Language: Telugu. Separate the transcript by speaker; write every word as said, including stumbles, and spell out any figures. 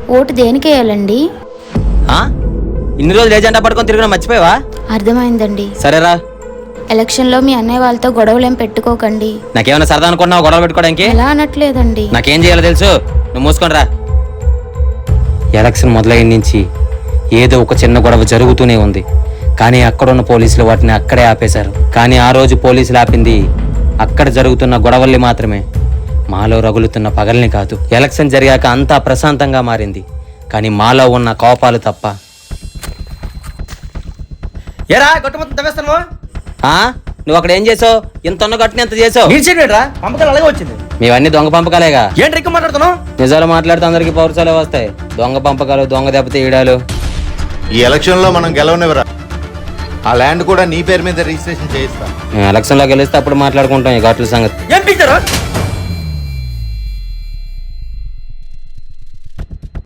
Speaker 1: ఓటు దేనికి వేయాలండి?
Speaker 2: ఇన్ని రోజులు ఏజెండా పట్టుకొని తిరిగినా మర్చిపోయావా?
Speaker 1: అర్థమైందండి.
Speaker 2: సరేరా.
Speaker 1: ఎలక్షన్ లో మీ అన్నయ్య వాళ్ళతో గొడవలు ఏం పెట్టుకోకండి.
Speaker 2: నాకేమైనా సరదా అనుకున్నావు గొడవలు పెట్టుకోవడానికి?
Speaker 1: ఎలా అనట్లేదండి.
Speaker 2: నాకేం చేయాలో తెలుసు, నువ్వు మూసుకొని రా. ఎలక్షన్ మొదలైన నుంచి ఏదో ఒక చిన్న గొడవ జరుగుతూనే ఉంది, కానీ అక్కడున్న పోలీసులు వాటిని అక్కడే ఆపేశారు. కానీ ఆ రోజు పోలీసులు ఆపింది అక్కడ జరుగుతున్న గొడవల్ని మాత్రమే, మాలో రగులుతున్న పగల్ని కాదు. ఎలక్షన్ జరిగాక అంతా ప్రశాంతంగా మారింది, కానీ మాలో ఉన్న కోపాలు తప్ప.
Speaker 3: ఏరా గట్టు మొత్తం తవ్వేస్తాను.
Speaker 2: నువ్వు అక్కడ ఏం చేసావు? ఇంత ఉన్న గట్టుని ఎంత చేసావు?
Speaker 3: నీచేరా పంపకాలు అలాగే వచ్చింది.
Speaker 2: మేవన్నీ దొంగ పంపకాలేగా.
Speaker 3: ఏంటి ఎక్కువ మాట్లాడుతున్నావు?
Speaker 2: నిజాలు మాట్లాడితే అందరికి పౌరసాలే వస్తాయి. దొంగ పంపకాలు, దొంగ దెబ్బతీయడాలు.
Speaker 4: ఈ ఎలక్షన్ లో మనం గెలవనివ్వరా. ఆ ల్యాండ్ కూడా నీ పేరు మీద రిజిస్ట్రేషన్ చేయిస్తా.
Speaker 2: మేము ఎలక్షన్ లో గెలిస్తే అప్పుడు మాట్లాడుకుంటాం ఈ ఘాట్ల సంగతి.
Speaker 3: ఏం పిచ్చారు?